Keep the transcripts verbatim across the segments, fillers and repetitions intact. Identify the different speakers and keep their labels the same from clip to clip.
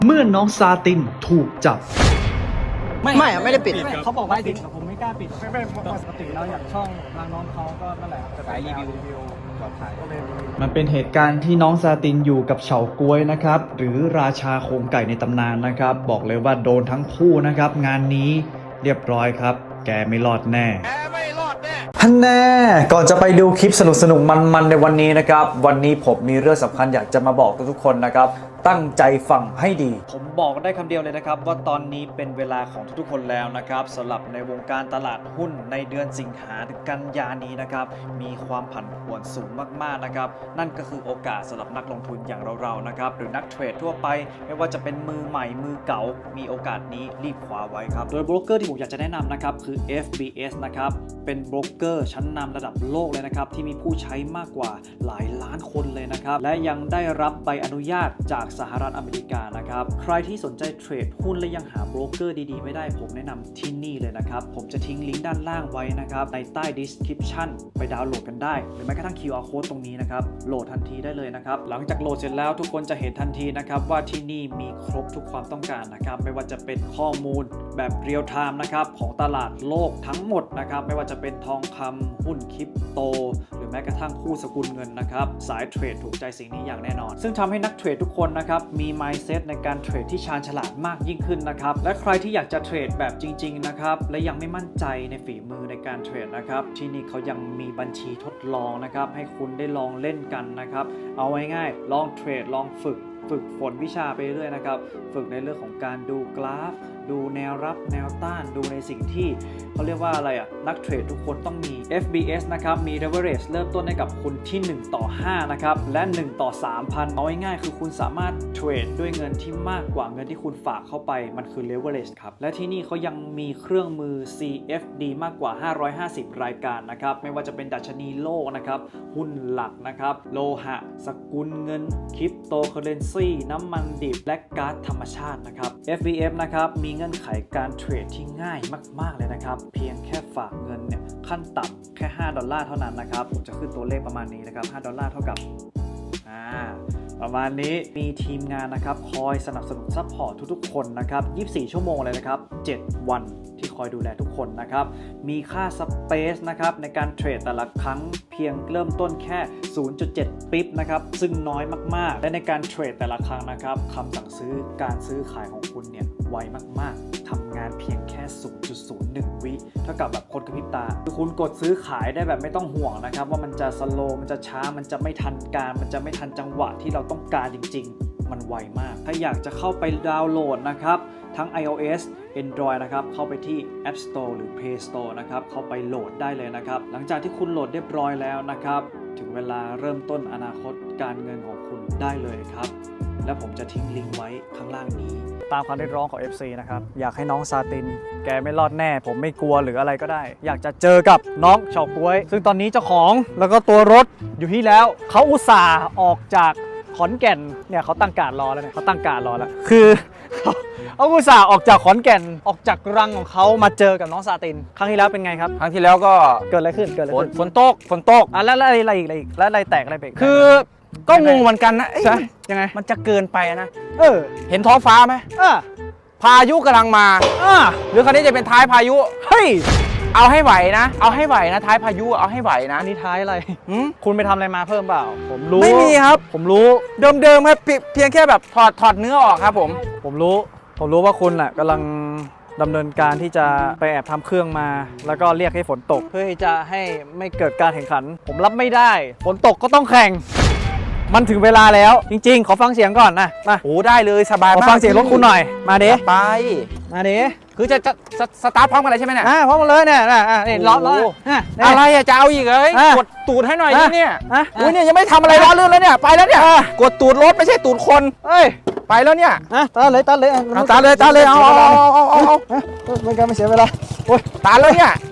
Speaker 1: เมื่อน้องซาตินถูกจับ
Speaker 2: ไม่ไม่ไม่ได้ปิด
Speaker 3: เขาบอกว่าปิดแต่ผมไม่กล้าปิดไม่ไม่ปกติแล้วอย่างช่องทางน้องเขาก็นั่นแหละจะขายรีวิวรีวิวปลอดภัยก็เลย
Speaker 1: มันเป็นเหตุการณ์ที่น้องซาตินอยู่กับเฉาก๊วยนะครับหรือราชาโครงไก่ในตำนานนะครับบอกเลยว่าโดนทั้งคู่นะครับงานนี้เรียบร้อยครับแกไม่รอดแน่แกไม่รอดแน่ฮันแน่ก่อนจะไปดูคลิปสนุกสนุกมันๆในวันนี้นะครับวันนี้ผมมีเรื่องสำคัญอยากจะมาบอกทุกๆคนนะครับตั้งใจฟังให้ดีผมบอกได้คำเดียวเลยนะครับว่าตอนนี้เป็นเวลาของทุกๆคนแล้วนะครับสำหรับในวงการตลาดหุ้นในเดือนสิงหาถึงกันยานี้นะครับมีความผันผวนสูงมากๆนะครับนั่นก็คือโอกาสสำหรับนักลงทุนอย่างเราๆนะครับหรือนักเทรดทั่วไปไม่ว่าจะเป็นมือใหม่มือเก่ามีโอกาสนี้รีบคว้าไว้ครับโดยโบรกเกอร์ที่ผมอยากจะแนะนำนะครับคือ เอฟ บี เอส นะครับเป็นโบรกเกอร์ชั้นนำระดับโลกเลยนะครับที่มีผู้ใช้มากกว่าหลายล้านคนเลยนะครับและยังได้รับใบอนุญาตจากสหรัฐอเมริกานะครับใครที่สนใจเทรดหุ้นและยังหาโบรกเกอร์ดีๆไม่ได้ผมแนะนำที่นี่เลยนะครับผมจะทิ้งลิงก์ด้านล่างไว้นะครับในใต้ description ไปดาวน์โหลดกันได้หรือแม้กระทั่ง คิว อาร์ Code ตรงนี้นะครับโหลดทันทีได้เลยนะครับหลังจากโหลดเสร็จแล้วทุกคนจะเห็นทันทีนะครับว่าที่นี่มีครบทุกความต้องการนะครับไม่ว่าจะเป็นข้อมูลแบบเรียลไทม์นะครับของตลาดโลกทั้งหมดนะครับไม่ว่าจะเป็นทองคำหุ้นคริปโตหรือแม้กระทั่งคู่สกุลเงินนะครับสายเทรดถูกใจสิ่งนี้อย่างแน่นอนซึ่งทำให้นักเทรดทุกคนนะครับมี mindset ในการเทรดที่ชาญฉลาดมากยิ่งขึ้นนะครับและใครที่อยากจะเทรดแบบจริงๆนะครับและยังไม่มั่นใจในฝีมือในการเทรดนะครับที่นี่เขายังมีบัญชีทดลองนะครับให้คุณได้ลองเล่นกันนะครับเอาง่ายๆลองเทรดลองฝึกฝึกฝนวิชาไปเรื่อยนะครับฝึกในเรื่องของการดูกราฟดูแนวรับแนวต้านดูในสิ่งที่เขาเรียกว่าอะไรอ่ะนักเทรดทุกคนต้องมี เอฟ บี เอส นะครับมี leverage เริ่มต้นให้กับคุณที่หนึ่งต่อห้านะครับและหนึ่งต่อ สามพัน เอาง่ายๆคือคุณสามารถเทรดด้วยเงินที่มากกว่าเงินที่คุณฝากเข้าไปมันคือ leverage ครับและที่นี่เขายังมีเครื่องมือ ซี เอฟ ดี มากกว่าห้าร้อยห้าสิบรายการนะครับไม่ว่าจะเป็นดัชนีโลกนะครับหุ้นหลักนะครับโลหะสกุลเงินคริปโตเคอเรนซีน้ำมันดิบและก๊าซธรรมชาตินะครับ เอฟ บี เอฟ นะครับมีเงื่อนไขการเทรดที่ง่ายมากๆเลยนะครับเพียงแค่ฝากเงินเนี่ยขั้นต่ำแค่ห้าดอลลาร์เท่านั้นนะครับผมจะขึ้นตัวเลขประมาณนี้นะครับห้าดอลลาร์เท่ากับอ่าประมาณนี้มีทีมงานนะครับคอยสนับสนุนซัพพอร์ตทุกๆคนนะครับยี่สิบสี่ชั่วโมงเลยนะครับเจ็ดวันที่คอยดูแลทุกคนนะครับมีค่าสเปซนะครับในการเทรดแต่ละครั้งเพียงเริ่มต้นแค่ ศูนย์จุดเจ็ด ปิ๊บนะครับซึ่งน้อยมากๆและในการเทรดแต่ละครั้งนะครับคำสั่งซื้อการซื้อขายของคุณเนี่ยไวมากๆทำงานเพียงแค่ ศูนย์จุดศูนย์หนึ่ง วิเท่ากับแบบคนกระพริบตาคือคุณกดซื้อขายได้แบบไม่ต้องห่วงนะครับว่ามันจะสโลว์มันจะช้ามันจะไม่ทันการมันจะไม่ทันจังหวะที่เราต้องการจริงๆมันไวมากถ้าอยากจะเข้าไปดาวน์โหลดนะครับทั้ง iOS Android นะครับเข้าไปที่ App Store หรือ Play Store นะครับเข้าไปโหลดได้เลยนะครับหลังจากที่คุณโหลดเรียบร้อยแล้วนะครับถึงเวลาเริ่มต้นอนาคตการเงินของคุณได้เลยครับและผมจะทิ้งลิงก์ไว้ข้างล่างนี้ตามความเรียกร้องของ เอฟ ซี นะครับอยากให้น้องซาตินแกไม่รอดแน่ผมไม่กลัวหรืออะไรก็ได้อยากจะเจอกับน้องเฉาก๊วยซึ่งตอนนี้เจ้าของแล้วก็ตัวรถอยู่ที่แล้วเขาอุตส่าห์ออกจากขอนแก่นเนี่ยเขาตั้งการรอแล้วเนี่ยเขาตั้งการรอแล้วคือเอาอุตส่าห์ออกจากขอนแก่นออกจากรังของเขามาเจอกับน้องซาตินครั้งที่แล้วเป็นไงครับ
Speaker 2: ครั้งที่แล้วก็
Speaker 3: เกิดอะไรขึ้นเกิดอะไรขึ้น
Speaker 2: ฝนตกฝนตก
Speaker 3: อ่ะแล้วอะไรอะไรอีกอะไรอีกแล้วอะไรแตกอะไรไป
Speaker 2: คือก็งงเหมือนกันนะ
Speaker 3: ใช่ยังไง
Speaker 2: มันจะเกินไปนะ
Speaker 3: เออ
Speaker 2: เห็นท้องฟ้าไหม
Speaker 3: เออ
Speaker 2: พายุกำลังมา
Speaker 3: อ่า
Speaker 2: หรือคันนี้จะเป็นท้ายพายุ
Speaker 3: เฮ้ย
Speaker 2: เอาให้ไหวนะเอาให้ไหวนะท้ายพายุเอาให้ไหวนะ
Speaker 3: นี่ท้ายอะไรคุณไปทำอะไรมาเพิ่มเปล่าผมรู้
Speaker 2: ไม่มีครับ
Speaker 3: ผมรู้
Speaker 2: เดิมๆครับเพียงแค่แบบถอดถอดเนื้อออกครับผม
Speaker 3: ผมรู้ผมรู้ว่าคุณแหละกำลังดำเนินการที่จะไปแอบทำเครื่องมาแล้วก็เรียกให้ฝนตกเพื่อที่จะให้ไม่เกิดการแข่งขันผมรับไม่ได้ฝนตกก็ต้องแข่งมันถึงเวลาแล้วจริงๆขอฟังเสียงก่อนนะมา
Speaker 2: โอ้ได้เลยสบายมาก
Speaker 3: ขอฟังเสียงรถคุณหน่อยมาดิ
Speaker 2: ไป
Speaker 3: มาดิ
Speaker 2: คือจะจะสตาร์ทพร้อมกันเลยใช่ไหมเนี่ย
Speaker 3: อ่าพร้อมกันเลยเนี่ยอ่านี่ล้อล้อ
Speaker 2: อะไรอะจะเอาอีกเลยกดตูดให้หน่อยเนี่ยอุ้ยเนี่ยยังไม่ทำอะไรล้อเลื่อนเลยเนี่ยไปแล้วเนี่ยกดตูดรถไม่ใช่ตูดคน
Speaker 3: เอ้ย
Speaker 2: ไปแล้วเนี่ย
Speaker 3: นะตาเลยตาเลย
Speaker 2: ตาเลยตาเลยเอาเอาเอาเอาเอา
Speaker 3: มันการไม่เสียเวลาโอ้ย
Speaker 2: ตาเลยเนี่ย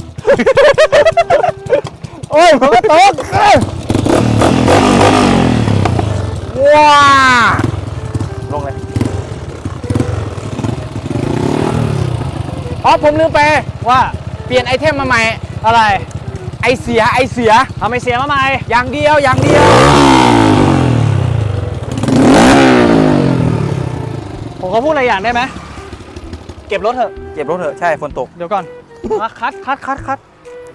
Speaker 3: โอ้ยผมก็ตก
Speaker 2: ว้าลงเลยอ๋อผมลืมไป
Speaker 3: ว่า
Speaker 2: เปลี่ยนไอเทมมาใหม่
Speaker 3: อะไร
Speaker 2: ไอเสียไอเสีย
Speaker 3: ทำไอเสียมาใหม่
Speaker 2: อย่างเดียวอย่างเดียว
Speaker 3: ผมขอพูดอะไรอย่างได้ไหมเก็บรถเถอะ
Speaker 2: เก็บรถเถอะใช่ฝนตก
Speaker 3: เดี๋ยวก่อนมาคัดคัดคัดคัด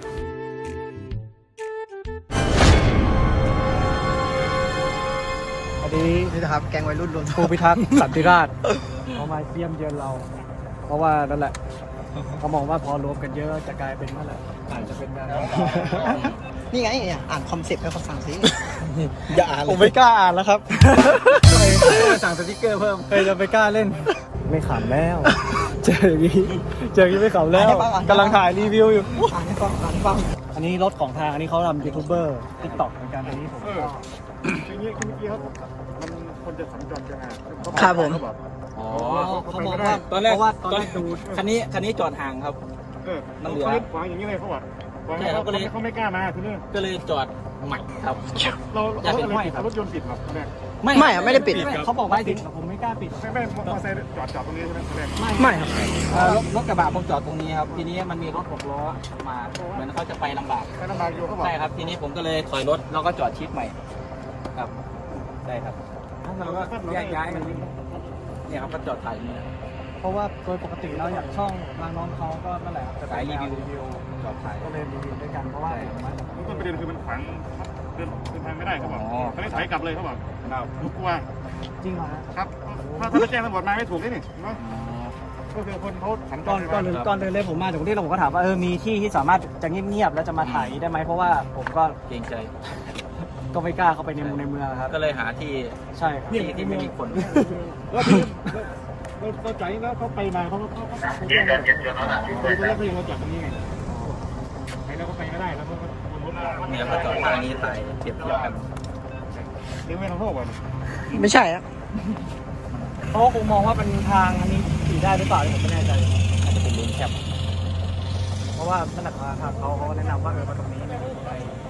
Speaker 3: อันนี้
Speaker 4: นี่นะครับแกงวัยรุ่นรวมตัว
Speaker 3: ผู้พิทักษ์สันติราษฎร์เขามาเยี่ยมเยือนเรา เพราะว่านั่นแหละเขามองว่าพอรวมกันเยอะจะกลายเป็นนั่นแหละอาจจะเป็นการ
Speaker 4: นี่ไงเนี่ยอ่านคอนเซ็ปต์ให้เขาฟังสิอย่าอ่าน
Speaker 3: ผมไม่กล้าอ่านแล้วครับสั่งสติ๊กเกอร์เพิ่มเคยจะไปกล้าเล่น ไม่ขำแล้ว เจออย่างนี้เจออย่างนี้ไม่ขำแล้วกำลังถ่ายรีวิวอยู่
Speaker 4: อ่านให้ฟังอ่านให้ฟัง
Speaker 3: อันนี้รถของทางอันนี้เขาทำยูทูบเบอร์ติ๊กต็อกเหมือนกันอันนี้ผมก็
Speaker 5: อย่างนี้เมื่อกี้เขามันคนจะสัญจรยังไง
Speaker 4: ครับผม
Speaker 5: เขาบอก
Speaker 2: อ๋อ
Speaker 3: เขาบอกว่า
Speaker 2: ตอนแรก
Speaker 3: เพราะว่าตอน
Speaker 2: ตอน
Speaker 3: แร
Speaker 2: แร
Speaker 3: ก
Speaker 2: ก
Speaker 3: ดู
Speaker 2: คันนี้คันนี้จอดห่างครับ
Speaker 5: เออ
Speaker 2: มันเหลือ
Speaker 5: เขาขวางอย่างนี้เลยเขาบอกขวาง
Speaker 2: ใช่ครับ
Speaker 5: เขา
Speaker 2: ก็เลย
Speaker 5: เขาไม่กล้ามาทีนี้
Speaker 2: ก็เลยจอดใหม่ครับ
Speaker 5: เรา
Speaker 2: อยาก
Speaker 5: เรา
Speaker 2: เป็น
Speaker 5: อะไร
Speaker 2: ห้อย
Speaker 5: ปิด
Speaker 2: ครับ
Speaker 5: รถยนต์ปิดหรอตอนแรก
Speaker 4: ไม่อะไม่ได้ปิด
Speaker 3: เขาบอกว่าปิดแต่ผมไม่กล้าปิด
Speaker 5: ไม่ไม่มอเตอร์ไซค์จอดจอดตรงนี้ใช่ไหมตอนแรก
Speaker 4: ไม่ครับ
Speaker 2: เอ่อรถรถกระบะผมจอดตรงนี้ครับ ทีนี้มันมีรถหกล้อมา เหมือนเขาจะไปลำบาก
Speaker 5: ไปลำบากอยู่เขาบอก
Speaker 2: ใช่ครับ ทีนี้ผมก็เลยถอยรถแล้วก็จอดชิดใหม่ ครับ ใช่ครับแล้วก็แยกย้ายกันเนี่ยครับก็จอดถ่ายอย่างนี้นะ
Speaker 3: เพราะว่าโดยปกติแล้วอย่างช่องทางน้องเขาก็นั่นแหละจะ
Speaker 2: สายรีวิว
Speaker 3: รีวิว
Speaker 2: จอดถ่าย
Speaker 3: ก็เลยรีวิวด้วยกันเพราะว่า
Speaker 5: ต้นประเด็นคือมันขวางเดินเดินทางไม่ได้เขาบอกเขาเลยถอยกลับเลยเขาบอกรู้กลัว
Speaker 3: จริงเหรอฮะ
Speaker 5: ครับถ้าถ้าแจ้งตำรวจมาไม่ถูกนี่นี่เนาะก็คือคนเขาสัญจ
Speaker 3: ก่อน
Speaker 5: ร
Speaker 3: ก่อนเดินก่อนเดินเลยผมมาจากกรุงเทพแล้วผมก็ถามว่าเออมีที่ที่สามารถจะเงียบๆแล้วจะมาถ่ายได้ไหมเพราะว่าผมก็
Speaker 2: เกรงใจ
Speaker 3: ก็ไม่กล้าเข้าไปในเมืองในเมืองครับ
Speaker 2: ก็เลยหาที่
Speaker 3: ใช่ครับ
Speaker 2: ที่ที่ไม่มีคน
Speaker 5: แล้วทีนี้เราเราใจแล้วเขาไปมาเขาเขาเขาเขาแจ้งตอนแรกเขายังเราจอดตรงนี้ไงไปแล้วก็ไปไม่ได้แล้วเขาก็วนรถ
Speaker 2: เนี่ยเขาจอดทางนี้ถ่ายเทียบเทียบกัน
Speaker 5: เลี้ยงไม่ทำโทษก่อน
Speaker 4: ไม่ใช่อะ
Speaker 3: เขาคงมองว่าเป็นทางอันนี้ขี่ได้หรือเปล่าผมไม่แน่ใจ
Speaker 2: อาจจะเป็นเลนแคบ
Speaker 3: เพราะว่านั่นแหละทางเขาเขาแนะนำว่าเออมาตรงนี้เนี่ยไป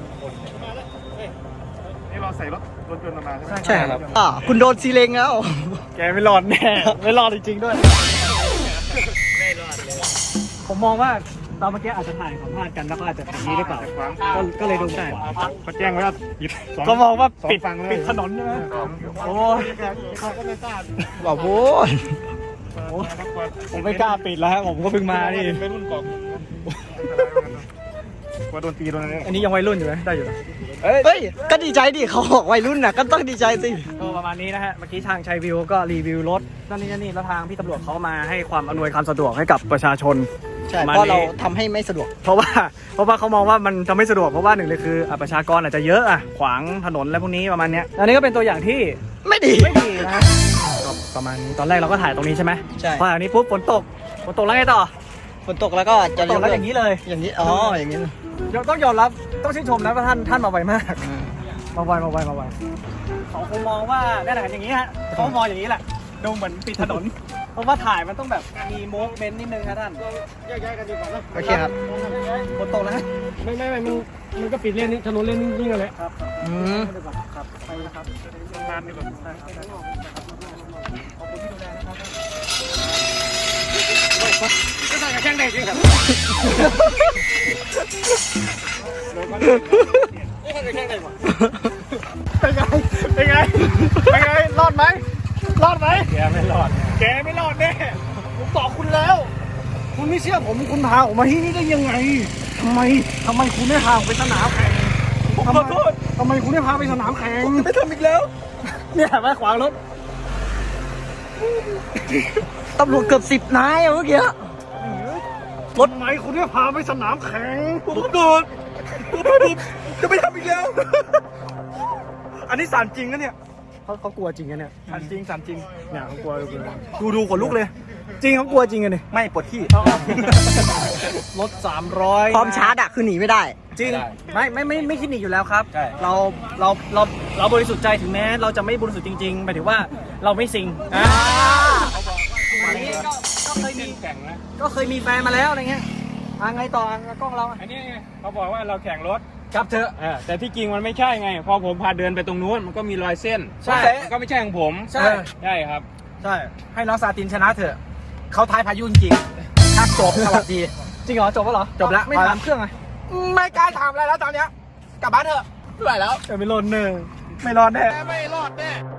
Speaker 5: นี่เราใส่รถรถยนต์มาใช่ไหม
Speaker 4: ใช่ครับอ่าคุณโดนซีเลงแล้ว
Speaker 3: แกไม่รอดแน่ไม่รอดจริงๆด้วย
Speaker 2: ไม่รอดเลย
Speaker 3: ผมมองว่าตอนเมื่อกี้อาจจะถ่ายสัมภาษณ์กันแล้วก็อาจจะถ่ายนี้หรือเปล่า
Speaker 5: ขวาง
Speaker 3: ก็ก็เลยโดนได้
Speaker 5: เขาแจ้งไว้ว่าปิดสอง
Speaker 3: ก็มองว่า
Speaker 5: สอง
Speaker 3: ปิด
Speaker 5: ฝั่งเลย
Speaker 3: ปิดถนนใช่ไหมโอ้ย
Speaker 5: เขาก็ไม่กล้า
Speaker 4: บอกโว้ย
Speaker 3: ผมไม่กล้าปิดแล้วฮะผมก็เพิ่งมานี่
Speaker 5: ไม่รุ่นกล่องกลัวโดนตีโดนอะไร
Speaker 3: อันนี้ยังวัยรุ่นอยู่ไหมได้อยู่นะ
Speaker 4: เฮ้ยก็ดีใจดิเขาบอกวัยรุ่นน่ะก็ต้องดีใจสิ
Speaker 3: ก็ประมาณนี้นะฮะเมื่อกี้ทางชัยวิวก็รีวิวรถนั่นนี่นั่นนี่แล้วทางพี่ตำรวจเขามาให้ความอำนวยความสะดวกให้กับประชาชน
Speaker 4: ใช่
Speaker 3: ประมาณ
Speaker 4: เพราะเรา
Speaker 3: นี้
Speaker 4: ทำให้ไม่สะดวก
Speaker 3: เพราะว่าเพราะว่าเขามองว่ามันทำไม่สะดวกเพราะว่าหนึ่งเลยคืออ่ะประชากรอาจจะเยอะอ่ะขวางถนนอะไรพวกนี้ประมาณเนี้ยอันนี้ก็เป็นตัวอย่างที่
Speaker 4: ไม่ดี
Speaker 3: ไม่ดีนะก็ประมาณนี้ตอนแรกเราก็ถ่ายตรงนี้ใช่ไหม
Speaker 4: ใช่
Speaker 3: พออันนี้ปุ๊บฝนตกฝนตกแล้วไงต่อ
Speaker 4: ฝนตกแล้วก็
Speaker 3: ฝ
Speaker 4: จะ
Speaker 3: นตกแล้วอย่างนี้เลย
Speaker 4: อย่างนี้อ๋ออย่างนี้
Speaker 3: ต้องยอมรับต้องชื่นชมนะว่าท่านท่านมาไวมากมาไวมาไวมาไวเขาคงมองว่าเนี่ยแหละอย่างนี้ฮะเขามองอย่างนี้แหละดูเหมือนปิดถนน เพราะว่าถ่ายมันต้องแบบมีโมเมนต์นิดนึงครับท่าน
Speaker 5: แยกย้ายกันดีกว่านะ
Speaker 4: โอเคครับ
Speaker 3: ฝนตกแล้วฮะ
Speaker 5: ไม่ไม่ไม่มันมันก็ปิดเลนนี้ถนนเลนนี้ยิ่งเลย
Speaker 3: ครับ
Speaker 4: อืม
Speaker 3: ครับไปนะครับ
Speaker 5: นานดีกว่า
Speaker 3: ขอบคุณที่ดูแลนะครับ
Speaker 5: ก็ใส่กับแข้งเด็กจริงครับนี่ใส่กับแข้งเด็กวะ
Speaker 3: เป็นไงเป็นไงเป็นไงรอดไหมรอดไหม
Speaker 5: แกไม่รอด
Speaker 3: แกไม่รอดแน่ผมบอกคุณแล้ว คุณไม่เชื่อผมคุณพาผมมาที่นี่ได้ยังไงทำไมทำไมคุณไม่พาผมไปสนามแข่งผมขอโทษทำไมคุณไม่พาไปสนามแข่งไม่ทำอีกแล้ว เนี่ยมาขวางรถ
Speaker 4: ตำรวจเกือบสิบนายอะเมื่อกี้
Speaker 3: รถไหมคุณไม่พาไปสนามแข่งผมโดนจะไม่ทำอีกแล้ว อันนี้สารจริงนะเนี่ยเขาเขากลัวจริงนะเนี่ยสารจริงสารจริงเนี่ยเขากลัวดูดูขนลุกเลย จริงเขากลัวจริงกันเนี่ย
Speaker 2: ไม่ปวดที่
Speaker 3: รถสามร้อย
Speaker 4: พร้อมชาร์จอะคือหนีไม่ได้
Speaker 3: จริงไม่ไม่ไม่ไม่คิดหนีอยู่แล้วครับ
Speaker 2: ใช่
Speaker 3: เราเราเราเราบริสุทธิ์ใจถึงแม้เราจะไม่บริสุทธิ์จริงๆหมายถึงว่าเราไม่ซิงอ่าอันนี้ก็ก็เคยมี
Speaker 5: แข่งนะ
Speaker 3: ก็เคยมีแฟนมาแล้วอะไรเงี้ยอ่าไงต่ออ่ะกล้องเราอ่ะ
Speaker 5: อันนี้ไงเขาบอกว่าเราแข่งรถ
Speaker 3: ครับเธอ
Speaker 5: เออแต่ที่จริงมันไม่ใช่ไง พอผมพาเดินไปตรงนู้นมันก็มีรอยเส้น
Speaker 3: ใช่
Speaker 5: มันก็ไม่ใช่ของผม
Speaker 3: ใช่
Speaker 5: ใช่ครับ
Speaker 3: ใช่
Speaker 2: ให้น้องซาตินชนะเถอะ เขาท้ายพายุจริงๆถ้าจบสวัสดี
Speaker 3: จริงเหรอจบแล้วเหรอ
Speaker 2: จบแล้ว
Speaker 3: ไม่ถามเครื่องไง
Speaker 2: ไม่กล้าถามอะไรแล้วตอนเนี้ย กลับบ้านเถอะไม่ไหวแล้ว
Speaker 3: เออไม่รอดเนอไม่รอดแน่
Speaker 2: ไม่รอดแน่